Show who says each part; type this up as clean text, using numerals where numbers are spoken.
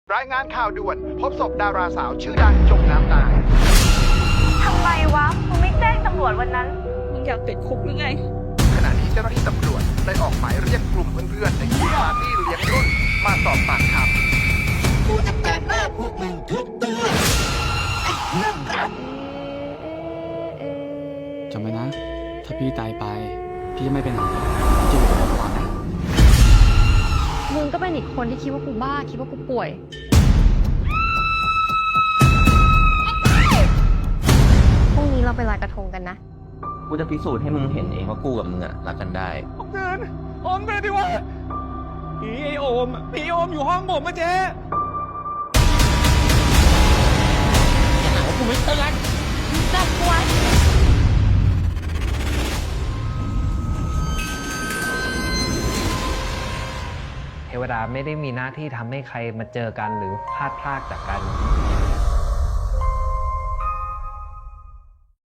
Speaker 1: รายงานข่าวด่วนพบศพดาราสาวชื่อดังจมน้ำตาย
Speaker 2: ทำไมวะมึงไม่แจ้งตำรวจวันนั้น
Speaker 3: มึงอยากติดคุกหรือไง
Speaker 1: ขณะนี้เจ้าหน้าที่ตำรวจได้ออกหมายเรียกกลุ่มเพื่อนๆในกลุ่มปาร์ตี้เลี้ยงรุ่นมาสอบปากคำ
Speaker 4: กูจะแปะหน้าพวกมึงทุกตัวไอ้เรื่องราว
Speaker 5: จำไว้นะ ถ้าพี่ตายไป พี่จะไม่ไปไหนพี่จะอยู่กับเรานะ
Speaker 6: มึงก็เป็นอีกคนที่คิดว่ากูบ้าคิดว่ากูป่วย พรุ่งนี้เราไปลอยกระทงกันนะ
Speaker 7: กูจะพิสูจน์ให้มึงเห็นเองว่ากูกับมึงอะรักกันได้
Speaker 5: โอมไปดิวะผีไอโอมผีโอมอยู่ห้องผมอะเจ๊
Speaker 8: เทวดาไม่ได้มีหน้าที่ทำให้ใครมาเจอกันหรือพลาดพลาดจากกัน